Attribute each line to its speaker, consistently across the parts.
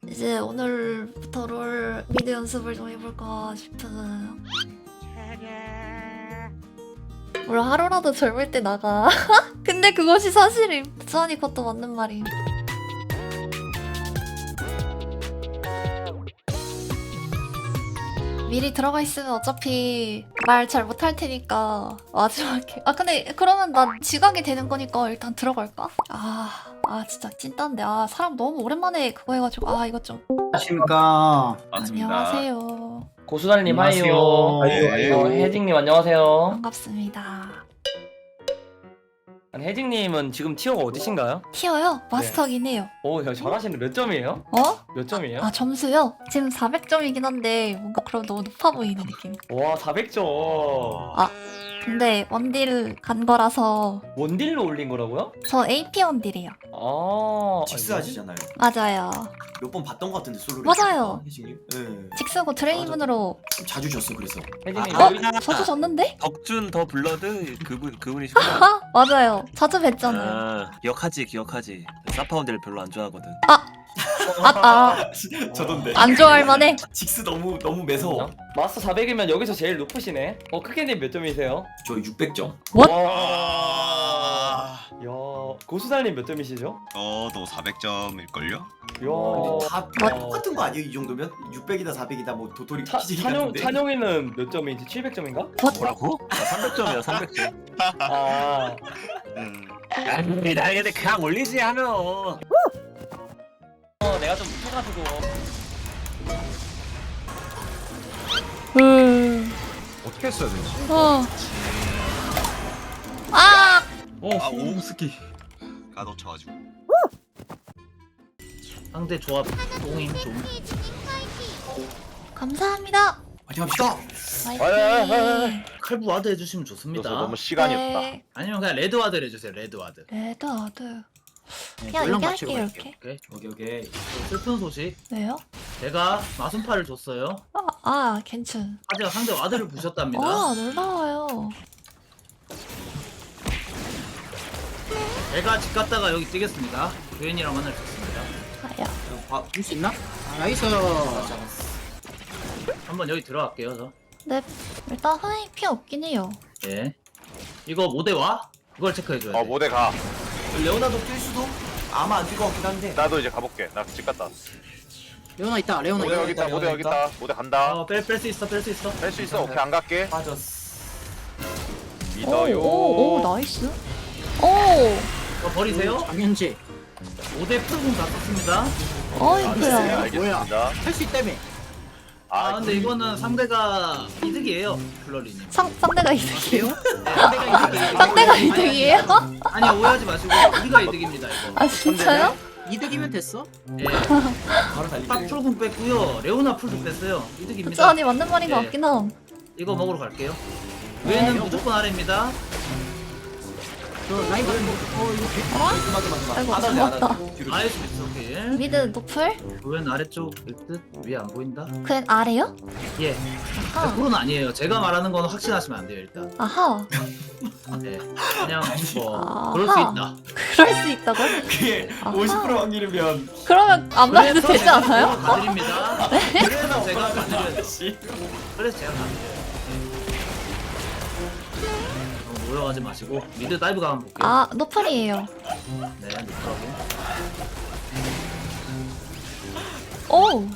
Speaker 1: 이제 오늘부터 롤 미드 연습을 좀 해볼까 싶은. 뭘 하루라도 젊을 때 나가. 근데 그것이 사실임. 수환이 그것도 맞는 말임. 미리 들어가 있으면 어차피 말 잘 못할 테니까 마지막에. 아 근데 그러면 난 지각이 되는 거니까 일단 들어갈까? 진짜 찐딴데. 사람 너무 오랜만에 그거 해가지고 이거 좀.
Speaker 2: 안녕하십니까.
Speaker 3: 맞습니다.
Speaker 1: 안녕하세요.
Speaker 4: 고수달님
Speaker 2: 안녕하세요.
Speaker 4: 하이요.
Speaker 2: 아이고.
Speaker 4: 혜진님 안녕하세요.
Speaker 1: 반갑습니다.
Speaker 4: 아니, 혜진님은 지금 티어가 어디신가요?
Speaker 1: 티어요? 마스터긴 해요.
Speaker 4: 오, 야, 잘하시는 몇 점이에요?
Speaker 1: 어?
Speaker 4: 몇 점이에요?
Speaker 1: 점수요? 지금 400점이긴 한데 뭔가 그럼 너무 높아 보이는 느낌.
Speaker 4: 와, 400점.
Speaker 1: 근데 원딜 간 거라서.
Speaker 4: 원딜로 올린 거라고요?
Speaker 1: 저 AP 원딜이에요.
Speaker 3: 직스 하시잖아요.
Speaker 1: 맞아요.
Speaker 3: 몇 번 봤던 것 같은데 솔로를.
Speaker 1: 맞아요.
Speaker 3: 혜진님. 네.
Speaker 1: 직스고 드레이븐으로.
Speaker 3: 자주 졌어 그래서.
Speaker 4: 혜진님
Speaker 1: 저도 졌는데?
Speaker 5: 덕준 더 블러드 그분이시구나.
Speaker 1: 맞아요. 자주 뵀잖아요.
Speaker 5: 기억하지. 사파운드를 별로 안 좋아하거든.
Speaker 3: 저던데.
Speaker 1: 안 좋아할 만해.
Speaker 3: 직스 너무 매서워.
Speaker 4: 마스터 400이면 여기서 제일 높으시네. 크게님 몇 점이세요?
Speaker 3: 저 600점.
Speaker 1: What?
Speaker 4: 와. 야, 고수달님 몇 점이시죠?
Speaker 6: 너 400점일걸요?
Speaker 4: 야.
Speaker 3: 다 똑같은 거 아니에요 이 정도면? 600이다 400이다 뭐 도토리 키즈기 같은데.
Speaker 4: 찬용이는 몇 점인지 700점인가?
Speaker 5: 뭐라고? 300점이야 300점.
Speaker 4: 아.
Speaker 5: 아니 나 근데 그냥 올리지 하면.
Speaker 4: 내가 좀 못해가지고.
Speaker 2: 어떻게 했어야 되지?
Speaker 6: 오스키 가둬쳐가지고.
Speaker 2: 상대 조합 똥임 좀.
Speaker 1: 감사합니다.
Speaker 3: 파이팅 합시다.
Speaker 1: 화이팅.
Speaker 2: 칼부 와드 해주시면 좋습니다.
Speaker 7: 너무 시간이 없다.
Speaker 1: 네.
Speaker 2: 아니면 그냥 레드 와드를 해주세요. 레드 와드.
Speaker 1: 레드아드.
Speaker 2: 네,
Speaker 1: 그냥
Speaker 2: 물론
Speaker 1: 이렇게
Speaker 2: 맞추고
Speaker 1: 할게요,
Speaker 2: 갈게요.
Speaker 1: 이렇게.
Speaker 3: 오케이.
Speaker 2: 또 슬픈 소식.
Speaker 1: 왜요?
Speaker 2: 제가 마순파를 줬어요.
Speaker 1: 괜찮.
Speaker 2: 하지만 상대 와드를 부셨답니다.
Speaker 1: 놀라워요.
Speaker 2: 제가 집 갔다가 여기 뛰겠습니다. 교인이랑 만날 수 있습니다.
Speaker 3: 줄 수 있나?
Speaker 2: 나이스. 한번 여기 들어갈게요. 저.
Speaker 1: 네, 일단 흔히 피 없긴 해요.
Speaker 2: 예. 이거 모대 와? 그걸 체크해줘야 돼.
Speaker 7: 모대 가.
Speaker 3: 레오나도 뛸 수도? 아마 안 뛸 것 같긴 한데.
Speaker 7: 나도 이제 가볼게. 나 집 갔다 왔어.
Speaker 8: 레오나 있다. 레오나
Speaker 7: 모대
Speaker 8: 있다.
Speaker 7: 여기 있다. 모대 여기 있다. 모대 간다.
Speaker 2: 뺄 수 있어. 뺄 수 있어.
Speaker 7: 할 수 있어. 오케이 안 갈게.
Speaker 3: 빠졌어.
Speaker 7: 믿어요.
Speaker 1: 오, 나이스.
Speaker 2: 이거 버리세요.
Speaker 8: 장현지.
Speaker 2: 모대 풀공 다 썼습니다.
Speaker 7: 네,
Speaker 1: 이쁘야.
Speaker 7: 알겠습니다.
Speaker 8: 할 수 있다며.
Speaker 2: 근데 이거는 상대가 이득이에요. 블러리님.
Speaker 1: 상대가 이득이에요?
Speaker 2: 상대가 이득이에요.
Speaker 1: 상대가 이득이에요?
Speaker 2: 아니 오해하지 마시고 우리가 이득입니다 이거.
Speaker 1: 진짜요?
Speaker 8: 이득이면 됐어.
Speaker 2: 예.
Speaker 3: 바로 달리기.
Speaker 2: 딱 풀공 뺐고요. 레오나 풀도 뺐어요.
Speaker 1: 그쵸,
Speaker 2: 이득입니다.
Speaker 1: 아니 맞는 말인 것
Speaker 2: 네.
Speaker 1: 같긴 함.
Speaker 2: 이거 먹으러 갈게요. 외에는 무조건 아래입니다.
Speaker 8: 저 라이브
Speaker 1: 아이고,
Speaker 3: 안
Speaker 1: 고맙다.
Speaker 3: 뒤로.
Speaker 2: 아래 수 있어. 오케이.
Speaker 1: 미드 노플?
Speaker 2: 외는 아래쪽일 듯. 위에 안 보인다.
Speaker 1: 그냥 아래요?
Speaker 2: 예.
Speaker 1: 아하.
Speaker 2: 100%는 아니에요. 제가 말하는 건 확신하시면 안 돼요 일단.
Speaker 1: 아하.
Speaker 2: 네. 그냥 뭐
Speaker 1: 아하.
Speaker 2: 그럴 수 있다.
Speaker 1: 그럴 수 있다고?
Speaker 3: 그게
Speaker 1: 아하.
Speaker 3: 50% 확률이면
Speaker 1: 그러면 안 말해도
Speaker 2: 그래서
Speaker 1: 되지
Speaker 2: 제가
Speaker 1: 않아요?
Speaker 2: 가드립니다. 그래서 제가 가드려요.
Speaker 3: 씨.
Speaker 2: 그래서 제가 가드려요. 너무 모여가지 마시고 미드 다이브가 한번 볼게요.
Speaker 1: 노플이에요.
Speaker 2: 네, 노트하고.
Speaker 1: 오.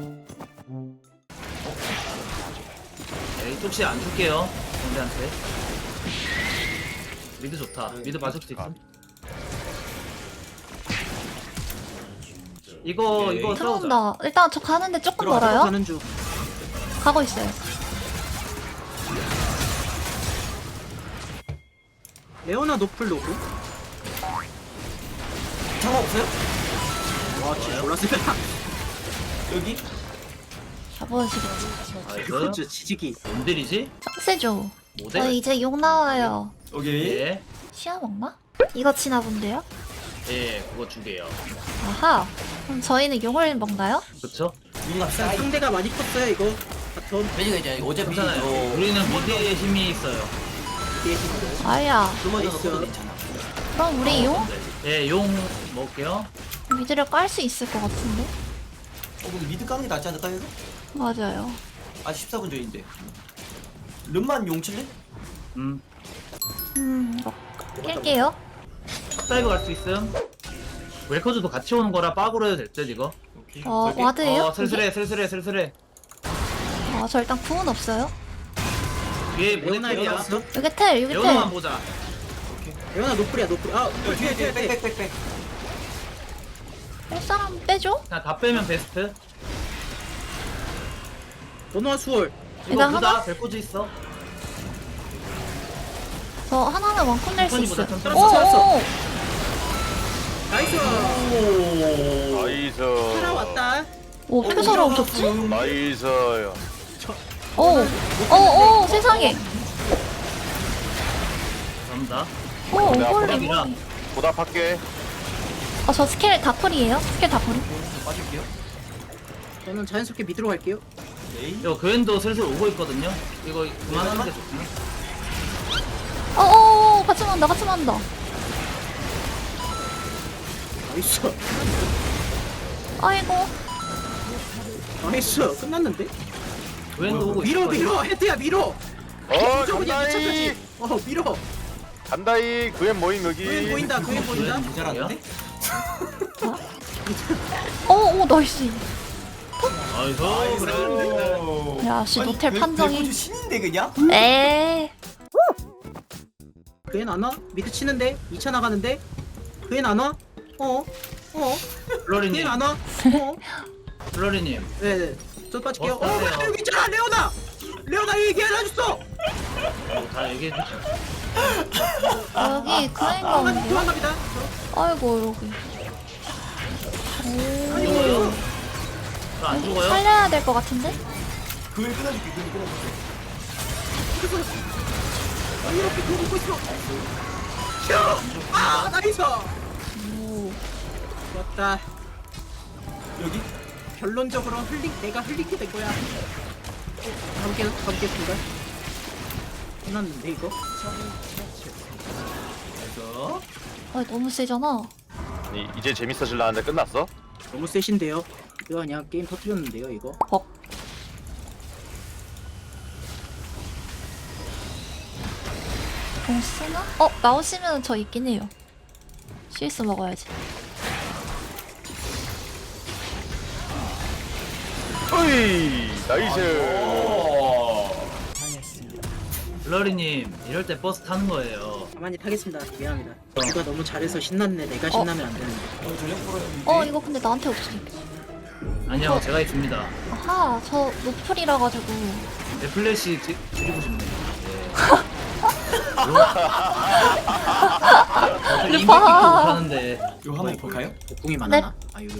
Speaker 2: 네, 이쪽 시야 안 줄게요. 상대한테. 미드 좋다. 미드 봐줄 수 있어? 이거 싸우자.
Speaker 1: 들어온다. 일단 저 가는데 조금 멀어요?
Speaker 8: 가는 중.
Speaker 1: 가고 있어요.
Speaker 8: 레오나 노플 로고.
Speaker 3: 상관없어요?
Speaker 8: 와 진짜 몰랐습니다.
Speaker 3: 여기?
Speaker 1: 잡아주시겠지.
Speaker 2: 나이스.
Speaker 8: 그렇죠 지지기.
Speaker 2: 뭔들이지?
Speaker 1: 세죠.
Speaker 2: 모델?
Speaker 1: 저 이제 욕 나와요.
Speaker 3: 오케이.
Speaker 2: 예.
Speaker 1: 시야 먹나? 이거 치나 본데요?
Speaker 2: 예, 그거 두 개요.
Speaker 1: 아하. 그럼 저희는 용을 먹나요?
Speaker 2: 그쵸?
Speaker 3: 우리가 사이.
Speaker 8: 상대가 많이 컸어요 이거. 바텀
Speaker 3: 매니가 이제 어차피
Speaker 2: 괜찮아요. 우리는 미드에 힘이 있어요.
Speaker 8: 뒤에 힘으로.
Speaker 1: 아야.
Speaker 3: 그마저도 괜찮아.
Speaker 1: 그럼 우리 용?
Speaker 2: 예, 용 먹을게요.
Speaker 1: 미드를 깔 수 있을 것 같은데?
Speaker 3: 뭐 미드 까는 게 낫지 않을까 해서?
Speaker 1: 맞아요.
Speaker 3: 아직 14분 전인데. 름만 용 칠래?
Speaker 1: 이거 깰게요.
Speaker 2: 다이브 갈 수 있음. 웰커즈도 같이 오는 거라 빡으로 해도 될듯 이거.
Speaker 3: 오케이.
Speaker 1: 와드예요?
Speaker 2: 슬슬해.
Speaker 1: 저 일단 구은 없어요.
Speaker 2: 위에
Speaker 8: 레오나
Speaker 2: 모델
Speaker 8: 왔어?
Speaker 1: 여기 텔, 여기
Speaker 2: 레오나만
Speaker 1: 텔.
Speaker 2: 보자.
Speaker 8: 레오나 노플이야 노플. 아
Speaker 3: 뒤에 빽빽빽빽.
Speaker 1: 뺄 사람 빼줘?
Speaker 2: 그냥 다 빼면 베스트.
Speaker 8: 노노아 수월.
Speaker 2: 이거
Speaker 1: 일단
Speaker 2: 보자.
Speaker 1: 하나?
Speaker 2: 벨코즈 있어.
Speaker 1: 저 하나는 원콤 낼 수
Speaker 2: 천천히
Speaker 1: 있어요.
Speaker 2: 보자, 천천히.
Speaker 1: 오오.
Speaker 8: 나이스.
Speaker 7: 나이스.
Speaker 8: 살아왔다.
Speaker 1: 오, 표서로 오셨지?
Speaker 7: 나이스요.
Speaker 1: 오, 세상에.
Speaker 2: 감사합니다.
Speaker 1: 오,
Speaker 7: 내가
Speaker 1: 홀리.
Speaker 2: 보내기라.
Speaker 7: 보답할게.
Speaker 1: 저 스킬 다풀이에요? 스킬 다풀이?
Speaker 3: 빠질게요.
Speaker 8: 저는 자연스럽게 미드로 갈게요.
Speaker 3: 네.
Speaker 2: 이거 그랜도 슬슬 오고 있거든요. 이거 그만하는 게 좋구나.
Speaker 1: 같이 만다, 같이 만다.
Speaker 8: 나이스.
Speaker 1: 아이고.
Speaker 8: 나이스. 끝났는데?
Speaker 2: 그랜도 오고
Speaker 8: 밀어
Speaker 2: 있을 거예요.
Speaker 8: 밀어 헤드야 밀어. 무조건이야
Speaker 7: 간다이.
Speaker 8: 미쳐까지. 밀어.
Speaker 7: 간다이. 그엔 모임 여기.
Speaker 8: 그엔 보인다. 그엔 보인다.
Speaker 3: 모자랐는데?
Speaker 1: 나이스.
Speaker 2: 아이고 그래.
Speaker 1: 야, 씨, 노텔
Speaker 3: 아니,
Speaker 1: 판정이.
Speaker 3: 벨코즈 신인데 그냥?
Speaker 1: 에이.
Speaker 8: 그엔 안 와? 미드 치는데? 2차 나가는데? 그엔 안 와?
Speaker 2: 블러리님,
Speaker 8: 그엔 안 와?
Speaker 2: 블러리님.
Speaker 8: 네네. 저 빠질게요.
Speaker 2: 어떠세요?
Speaker 8: 여기 있잖아 레오나. 레오나 얘기 안 해줬어.
Speaker 2: 다 얘기해 주죠.
Speaker 1: 여기 그인 가운데.
Speaker 8: 도망갑니다.
Speaker 1: 아이고, 여기.
Speaker 2: 죽어요? 저안
Speaker 1: 여기
Speaker 2: 죽어요?
Speaker 1: 살려야 될 것 같은데?
Speaker 3: 그걸 끊어줄게. 그걸 끊어줄게.
Speaker 8: 이렇게 들어오고 있어. 아 나이스. 좋았다.
Speaker 3: 여기?
Speaker 8: 결론적으로 내가 흘리게 된 거야. 가보겠습니다. 끝났는데 이거?
Speaker 3: 그래서
Speaker 1: 너무 세잖아.
Speaker 7: 이제 재밌어질라는데 끝났어?
Speaker 8: 너무 세신데요. 이거 그냥 게임 터뜨렸는데요 이거.
Speaker 1: 공 쓰나? 나오시면 저 있긴 해요. CS 먹어야지.
Speaker 7: 어이. 나이스.
Speaker 2: 블러리님, 이럴 때 버스 타는 거예요.
Speaker 8: 가만히 타겠습니다. 미안합니다. 누가 너무 잘해서 신났네. 내가 신나면 안 되는데.
Speaker 3: 전력 풀어줬는데.
Speaker 1: 이거 근데 나한테 없어.
Speaker 2: 아니요, 제가 있습니다.
Speaker 1: 아하, 저 노플이라 가지고.
Speaker 2: 내 플래시 드리고 싶네요. 네.
Speaker 1: 루파.
Speaker 2: 못하는데.
Speaker 3: 이거 한번 볼까요?
Speaker 8: 복궁이 많아나? 아 이거.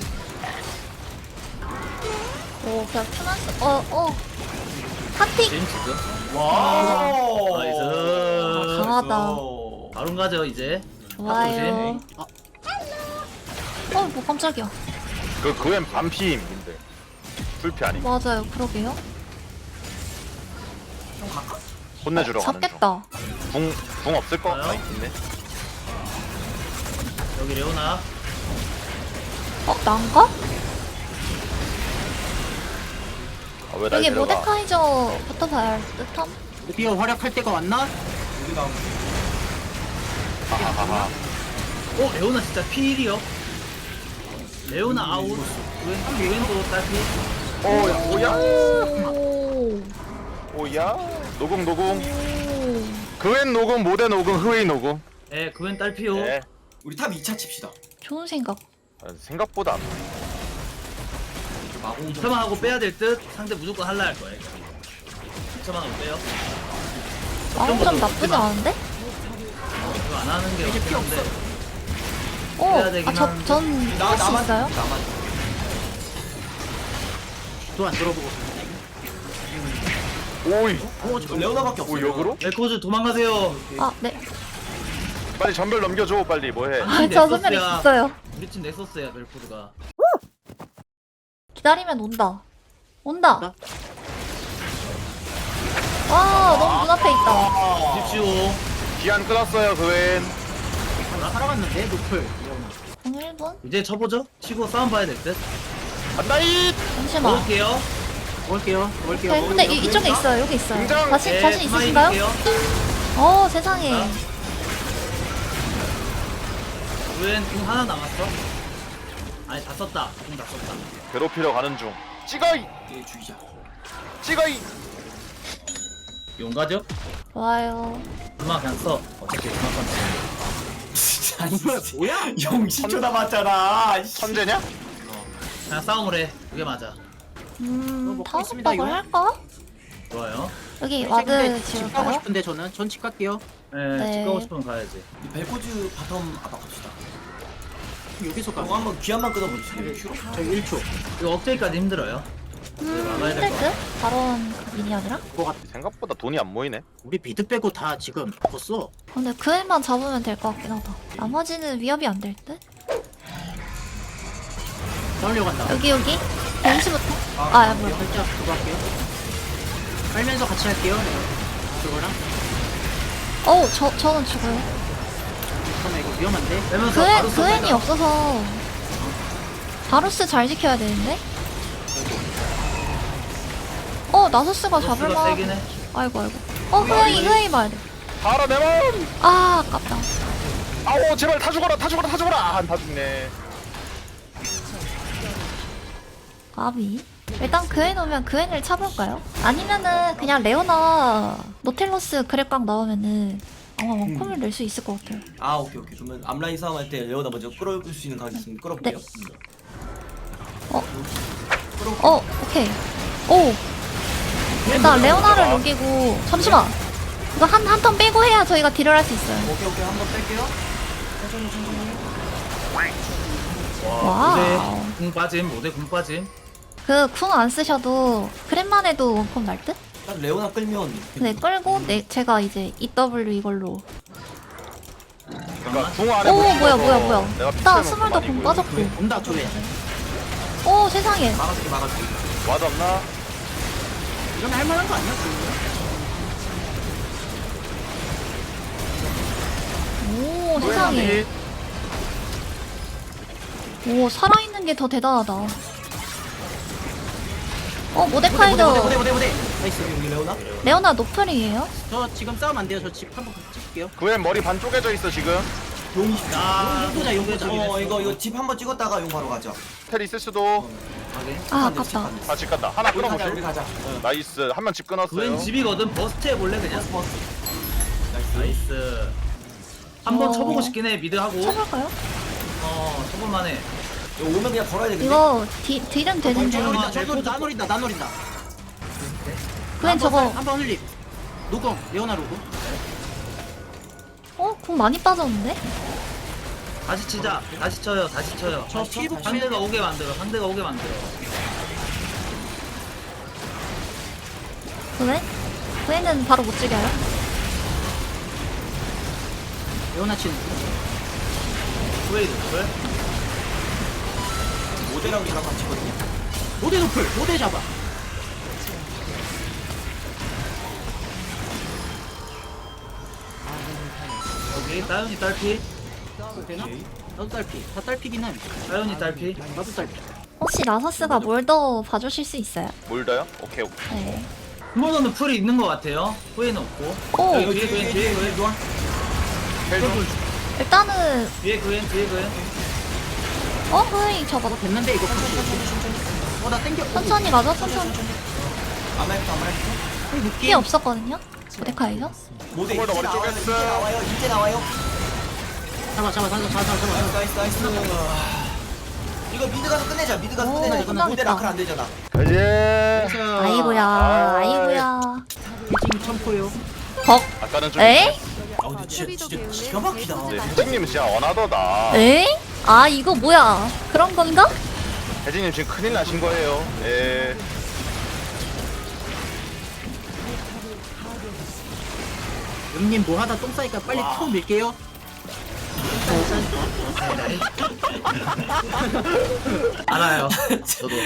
Speaker 1: 그냥 트나스. 핫픽.
Speaker 2: 제임스죠?
Speaker 3: 와.
Speaker 2: 나이스.
Speaker 1: 강하다.
Speaker 2: 바로 가죠 이제.
Speaker 1: 좋아요. 뭐 깜짝이야.
Speaker 7: 그엔 반피인데. 풀피 아니.
Speaker 1: 맞아요, 그러게요.
Speaker 7: 혼내주러 가는 중.
Speaker 1: 잡겠다.
Speaker 7: 궁 없을 거?
Speaker 2: 좋아요.
Speaker 7: 있네.
Speaker 2: 여기 레오나.
Speaker 1: 난가?
Speaker 7: 왜 날
Speaker 1: 여기
Speaker 7: 데려가?
Speaker 1: 모데카이저부터 봐야 할 듯함?
Speaker 8: 드디어 활약할 때가 왔나?
Speaker 3: 여기 나오면
Speaker 7: 하하하.
Speaker 2: 레오나 진짜 필이요. 레오나 아웃. 웬도 딸피.
Speaker 7: 오야.
Speaker 1: 오.
Speaker 7: 오야. 노공. 그웬 노공, 모데 노공, 흐웨이 노공.
Speaker 2: 예, 그웬 딸피요.
Speaker 7: 네.
Speaker 3: 우리 탑 2차 칩시다.
Speaker 1: 좋은 생각.
Speaker 7: 생각보다 안
Speaker 3: 마공 좀.
Speaker 2: 2차만 하고 빼야 될 듯. 상대 무조건 할라 할 거예요. 2차만 하고 빼요.
Speaker 1: 좀 나쁘지 않은데?
Speaker 2: 이거 안 하는 게 맞긴 한데. 해야 되긴 하는데.
Speaker 1: 전 할 수 있어요?
Speaker 3: 나만.
Speaker 8: 또 안 들어보고.
Speaker 7: 오이.
Speaker 3: 저 레오나밖에 없어.
Speaker 7: 오 역으로?
Speaker 2: 멜코즈 도망가세요.
Speaker 1: 네.
Speaker 7: 빨리 전별 넘겨줘 빨리 뭐해.
Speaker 1: 저 선멸 있어요.
Speaker 2: 우리 팀 넥서스야 멜코즈가.
Speaker 1: 기다리면 온다. 온다.
Speaker 8: 나?
Speaker 1: 너무 눈앞에 있다.
Speaker 2: 집시오.
Speaker 7: 기한 끊었어요 그웬.
Speaker 8: 살아갔는데 노플.
Speaker 1: 공 1분?
Speaker 2: 이제 쳐보죠. 치고 싸움 봐야 될 듯.
Speaker 7: 간다이.
Speaker 1: 잠시만.
Speaker 2: 먹을게요.
Speaker 8: 먹을게요.
Speaker 1: 네, 근데 이쪽에 있어요. 여기 있어요.
Speaker 7: 등장!
Speaker 1: 자신
Speaker 2: 네,
Speaker 1: 있으신가요?
Speaker 2: 드릴게요.
Speaker 1: 어 세상에.
Speaker 2: 웬 공 하나 남았어? 아니 다 썼다. 공 다 썼다.
Speaker 7: 괴롭히러 가는 중. 찍어이.
Speaker 3: 얘 죽이자.
Speaker 7: 찍어이.
Speaker 2: 용가죠?
Speaker 1: 좋아요.
Speaker 2: 음악 그냥 써. 어차피 음악 건
Speaker 3: 진짜 뭐야? 영 10초 남았잖아.
Speaker 7: 천재냐?
Speaker 2: 그냥 싸움을 해. 그게 맞아.
Speaker 8: 먹고
Speaker 1: 다음
Speaker 8: 있습니다,
Speaker 1: 오빠가
Speaker 8: 이거.
Speaker 1: 할까?
Speaker 2: 좋아요.
Speaker 1: 여기
Speaker 8: 근데
Speaker 1: 와드
Speaker 8: 집 가고
Speaker 1: 지울까요?
Speaker 8: 싶은데 저는 전 집 갈게요.
Speaker 2: 네,
Speaker 1: 네.
Speaker 2: 집 가고 싶으면 가야지.
Speaker 3: 이 벨코즈 바텀 압박합시다.
Speaker 8: 여기서 가.
Speaker 3: 형 한번 귀 한번 끊어보시죠.
Speaker 8: 저 1초.
Speaker 2: 이거 업데이트까지 힘들어요. 막아야 될
Speaker 1: 힘들 듯? 바론 그 미니언이랑?
Speaker 8: 그거 같아.
Speaker 7: 생각보다 돈이 안 모이네.
Speaker 8: 우리 비드 빼고 다 지금 먹었어.
Speaker 1: 근데 그 애만 잡으면 될 것 같긴 하다. 나머지는 위협이 안 될 듯?
Speaker 8: 싸우려 간다.
Speaker 1: 여기 벤시부터? 아 뭐야.
Speaker 8: 살짝 그거 할게요. 깔면서 같이 할게요. 그거랑.
Speaker 1: 어우 저는 죽어요.
Speaker 8: 잠깐만 이거 위험한데.
Speaker 2: 빼면서
Speaker 1: 그
Speaker 2: 바로
Speaker 1: 그 애니
Speaker 2: 쏜다.
Speaker 1: 없어서 바루스 잘 지켜야 되는데? 나서스가
Speaker 2: 바루스가
Speaker 1: 잡을만.
Speaker 2: 세긴 해.
Speaker 1: 아이고. 흐이 봐야 돼.
Speaker 7: 바로 내 몸.
Speaker 1: 아 아깝다.
Speaker 7: 아오 제발 다 죽어라 다 죽어라 다 죽어라. 다 죽네.
Speaker 1: 아비. 일단 그 애 놓으면 그 애를 차볼까요? 아니면은 그냥 레오나 노텔러스 그랩각 나오면은 아마 원콤을 낼 수 있을 것 같아요.
Speaker 3: 아 오케이. 그러면 앞라인 싸움할 때 레오나 먼저 끌어볼 수 있는 각이 있으면 끌어볼게요.
Speaker 1: 오케이. 오. 일단 레오나를 녹이고 잠시만. 이거 한 턴 빼고 해야 저희가 딜을 할 수 있어요.
Speaker 3: 오케이 한번 뺄게요.
Speaker 1: 와우.
Speaker 2: 모대 궁 빠짐. 모대 궁 빠짐.
Speaker 1: 그 궁 안 쓰셔도 그랩만 해도 원콤 날 듯?
Speaker 3: 딱 레오나 끌면.
Speaker 1: 네 끌고 제가 이제 EW 이걸로.
Speaker 7: 그러니까 궁 안에
Speaker 1: 오
Speaker 7: 못
Speaker 1: 뭐야.
Speaker 7: 찍어서 내가
Speaker 1: 나
Speaker 7: 피치하면
Speaker 1: 스물도 공
Speaker 7: 그만이고요.
Speaker 1: 빠졌고.
Speaker 8: 온다 조회.
Speaker 1: 오 세상에.
Speaker 3: 막아줄게.
Speaker 7: 와드 없나?
Speaker 8: 이건 할만한 거 아니야?
Speaker 1: 오 세상에. 오 살아있는 게 더 대단하다. 모데카이저
Speaker 8: 모대. 나이스.
Speaker 3: 여기 레오나?
Speaker 1: 레오나 노플이에요?
Speaker 8: 저 지금 싸움 안 돼요. 저 집 한번 찍을게요.
Speaker 7: 그앤 머리 반 쪼개져 있어 지금.
Speaker 3: 용 20초.
Speaker 8: 용보자 용보자.
Speaker 3: 이거 집 한번 찍었다가 용 바로 가자.
Speaker 7: 텔 있을 수도.
Speaker 1: 아 아깝다.
Speaker 7: 아 집 간다. 하나
Speaker 3: 우리 가자.
Speaker 7: 끊어보실?
Speaker 3: 우리 가자.
Speaker 7: 나이스. 한 명 집 끊었어요.
Speaker 2: 그웬 집이거든. 버스트 해볼래 그냥.
Speaker 3: 버스.
Speaker 2: 나이스. 한번
Speaker 1: 어.
Speaker 2: 쳐보고 싶긴 해. 미드 하고.
Speaker 1: 쳐볼까요?
Speaker 2: 쳐볼만 해.
Speaker 3: 이거 오면 그냥 걸어야 되겠네.
Speaker 1: 이거 딜은 되는데
Speaker 8: 나 노린다.
Speaker 1: 그엔 저거
Speaker 8: 한번 흘림. 노공 레오나 로고.
Speaker 1: 공 많이 빠졌는데?
Speaker 2: 다시 치자. 다시 쳐요. 다시 쳐요.
Speaker 8: 저 피부
Speaker 2: 상대가 오게 만들어. 상대가 오게 만들어.
Speaker 1: 그애는 바로 못 죽여요?
Speaker 8: 레오나 치는.
Speaker 2: 후웨이드 그래?
Speaker 3: 모델랑 이랑 같이거든요.
Speaker 8: 모대 노플. 모대 잡아.
Speaker 2: 여기 따윤이 딸피.
Speaker 8: 되나? 나도 딸피. 다 딸피긴 해.
Speaker 2: 따윤이 딸피.
Speaker 8: 나도 딸피.
Speaker 1: 혹시 라서스가 뭘 더 봐주실 수 있어요?
Speaker 7: 몰더요? 오케이.
Speaker 1: 네.
Speaker 2: 후보는 풀이 있는 것 같아요. 후웨이는 없고.
Speaker 1: 오!
Speaker 2: 여기 뒤에 그웬 뒤에 그웬
Speaker 7: 텔 좀.
Speaker 1: 일단은
Speaker 2: 뒤에 그웬 뒤에 그웬.
Speaker 1: 흐이 저거
Speaker 8: 됐는데 이거. 나 땡겨.
Speaker 1: 천천히 가죠 천천히.
Speaker 3: 아메리카.
Speaker 1: 피 없었거든요? 모데카이저?
Speaker 3: 모델
Speaker 7: 홀더 머리 쪼갰어.
Speaker 3: 이제 나와요.
Speaker 8: 잡아.
Speaker 3: 나이스. 이거 미드 가서 끝내자. 미드 가서
Speaker 1: 오,
Speaker 3: 끝내자. 이거
Speaker 1: 끝나겠다.
Speaker 3: 모델 라클 안 되잖아.
Speaker 7: 이제
Speaker 1: 아이고야.
Speaker 8: 해징 첨포요.
Speaker 1: 벅.
Speaker 7: 아까는 좀.
Speaker 1: 에?
Speaker 3: 아 근데 진짜 기가 막히다.
Speaker 7: 네, 혜진님 진짜 어나더다.
Speaker 1: 에? 아 이거 뭐야? 그런 건가?
Speaker 7: 혜진님 지금 큰일 나신 거예요. 예.
Speaker 8: 형님 뭐 하다 똥 싸니까 빨리 톡 밀게요.
Speaker 2: 알아요. 저도.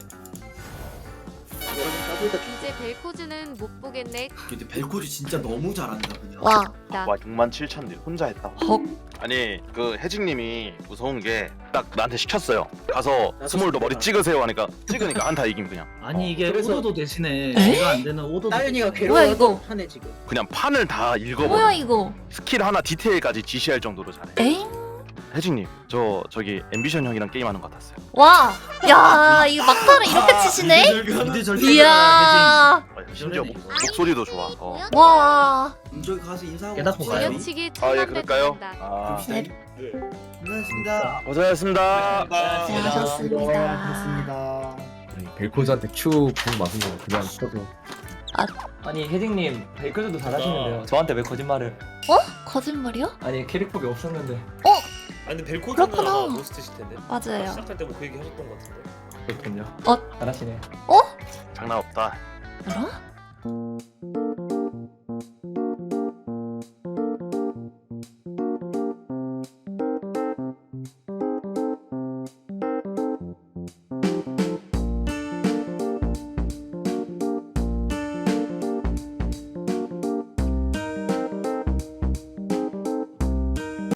Speaker 9: 이제 벨코즈는 못 보겠네.
Speaker 3: 근데 벨코즈 진짜 너무 잘한다 그냥.
Speaker 1: 와.
Speaker 7: 와 67,000딜 혼자 했다.
Speaker 1: 벅.
Speaker 7: 아니 그 혜진님이 무서운 게 딱 나한테 시켰어요. 가서 스몰도 머리 찍으세요 하니까 찍으니까 한타 이김 그냥.
Speaker 2: 아니 이게
Speaker 8: 그래서-
Speaker 2: 오도도 대신에
Speaker 1: 에?
Speaker 2: 내가 안 되는 오도도
Speaker 8: 따윤이가
Speaker 2: 대신에.
Speaker 1: 뭐야, 이거?
Speaker 8: 괴로워서 하네 지금.
Speaker 7: 그냥 판을 다
Speaker 1: 뭐야
Speaker 7: 읽어버려.
Speaker 1: 이거?
Speaker 7: 스킬 하나 디테일까지 지시할 정도로 잘해.
Speaker 1: 에잉?
Speaker 7: 혜진님 저기 앰비션 형이랑 게임하는 것 같았어요.
Speaker 1: 와, 야 이거 막타를 이렇게 치시네?
Speaker 2: 미드 절대
Speaker 1: 이야,
Speaker 7: 아, 심지어 목소리도 좋아.
Speaker 1: 와,
Speaker 3: 저기 가서 인사하고
Speaker 2: 깨닫고
Speaker 3: 갑시다.
Speaker 2: 가요.
Speaker 9: 돌려치기
Speaker 7: 예,
Speaker 9: 천만 배
Speaker 7: 그럴까요?
Speaker 9: 들어간다.
Speaker 7: 아,
Speaker 1: 네.
Speaker 3: 고생하셨습니다.
Speaker 7: 고생하셨습니다.
Speaker 1: 수고하셨습니다.
Speaker 10: 벨코즈한테 Q 공 맞은 거 그냥 쳐도
Speaker 4: 아니 혜딩님 벨코즈도 잘하시는데요. 저한테 왜 거짓말을?
Speaker 1: 거짓말이요?
Speaker 4: 아니 캐릭폭이 없었는데.
Speaker 11: 아니 근데 벨코즈는
Speaker 1: 그렇구나.
Speaker 11: 아마 로스트실 텐데.
Speaker 1: 맞아요.
Speaker 11: 시작할 때 뭐 그 얘기 하셨던 것 같은데.
Speaker 4: 그렇군요.
Speaker 1: 어?
Speaker 4: 잘하시네.
Speaker 7: 장난 없다.
Speaker 1: 뭐라?